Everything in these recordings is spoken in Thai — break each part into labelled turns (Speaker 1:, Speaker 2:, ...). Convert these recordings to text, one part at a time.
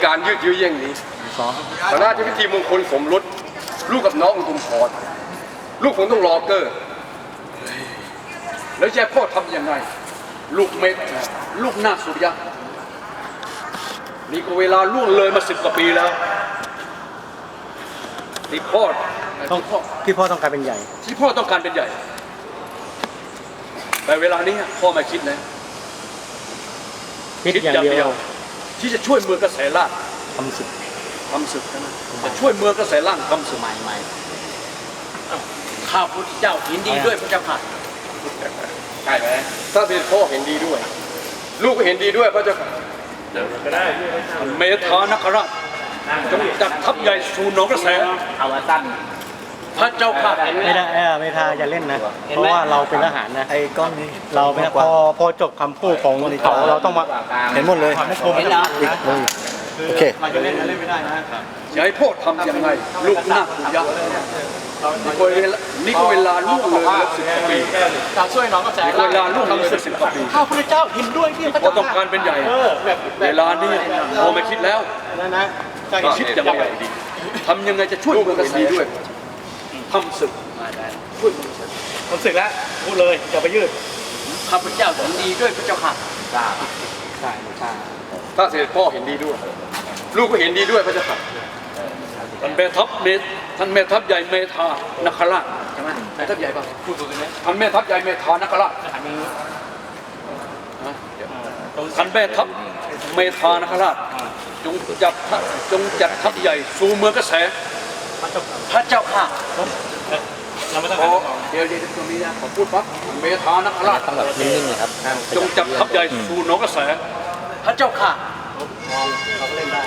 Speaker 1: การยืดเยื้อเยี่ยงนี้พระราชพิธีมงคลสมรสลูกกับน้องอุทุมพรลูกคงต้องรอเกอร์แล้วแย่พ่อทำยังไงลูกเม็ดลูกนาคสุริยะนี่ก็เวลาล่วงเลยมา10 กว่าปีแล้วที่พ่อ
Speaker 2: ต้องการเป็นใหญ่
Speaker 1: ที่พ่อต้องการเป็นใหญ่แต่เวลานี้พ่อไม่คิดนะ
Speaker 2: คิดอย่างเดียว
Speaker 1: ที่จะช่วยเมืองกระแสล่าง
Speaker 2: ทำศึก
Speaker 1: นะจะช่วยเมืองกระแสล่างทำศึกใหม่ข้าพุทธเจ้าเห็นดีด้วยพระเจ้าค่ะใช่ไหมถ้าเป็นพ่อเห็นดีด้วยลูกก็เห็นดีด้วยพระเจ้าค่ะก็ได้เมธานคราชจงจัดทัพใหญ่สู่หนองกระแส
Speaker 3: เอามาสั้น
Speaker 1: พระเจ้าค่ะ
Speaker 2: ไม่ได้ไม่ทาอย่าเล่นนะเพราะว่าเราเป็นทหารนะ
Speaker 4: ไอ้ก้อนนี้
Speaker 2: เราเป็นพอจบคำพูดของเขาเราต้องมา
Speaker 4: เห็นหมดเลย
Speaker 2: เห็นแล้ว
Speaker 4: โอเค
Speaker 2: เราจะเล่นไม่ได้นะ
Speaker 1: จะให้พ่อทำยังไงลูกนาคสุริยะนี่ก็เวลาล่วงเลย10 กว่าปี
Speaker 2: การช่วยน้องกระแส
Speaker 1: เวลาล่วงเลย10 กว่าปี
Speaker 2: ข้าพระเจ้าเห็นด้วยที่
Speaker 1: พ่อต้องการเป็นใหญ่เวลานี้พ่อไม่คิดแล้ว
Speaker 2: นะ
Speaker 1: คิดยังไงดีทำยังไงจะช่วยเมืองกระแสด้วยทำศึกช่วยเมืองกระแส
Speaker 2: ทำศึกแล้วพูดเลยอย่าไปยืด
Speaker 1: ข้าพเจ้าเห็นดีด้วยพระเจ้าค่ะ
Speaker 2: ใช่
Speaker 1: ถ้าเสด็จพ่อเห็นดีด้วยลูกก็เห็นดีด้วยพระเจ้าค่ะท่านแม่ทัพใหญ่เมธานคราชใช่ไหมแม่ทัพใหญ่ป่ะพูดถูกไหมท่านแม่ทัพใหญ่เมธานคราชท่านแม่ทัพเมธานคราชจงจัดทัพใหญ่สู่เมืองกระแสพระเจ้าค่ะเดี๋ยวตรงนี้นะผมพูดปั๊บเมธานคราช
Speaker 3: ต้องแบบนิ่งๆเลยครับ
Speaker 1: จงจัดทัพใหญ่สู่หนองกระแสพระเจ้าค่ะ
Speaker 2: เขาเล่นได้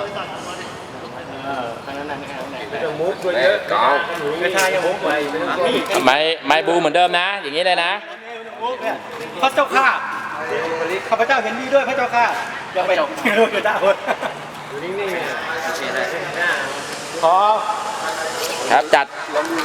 Speaker 2: มุกเยอะไม่ใช่ยังมุก
Speaker 3: ไม่บูเหมือนเดิมนะอย่างนี้เลยนะ
Speaker 2: พระเจ้าค่ะข้าพเจ้าเห็นดีด้วยพระเจ้าค่ะอย่าไปอยู่ได้คนอยู่นิ่งๆขอ
Speaker 3: ครับจัด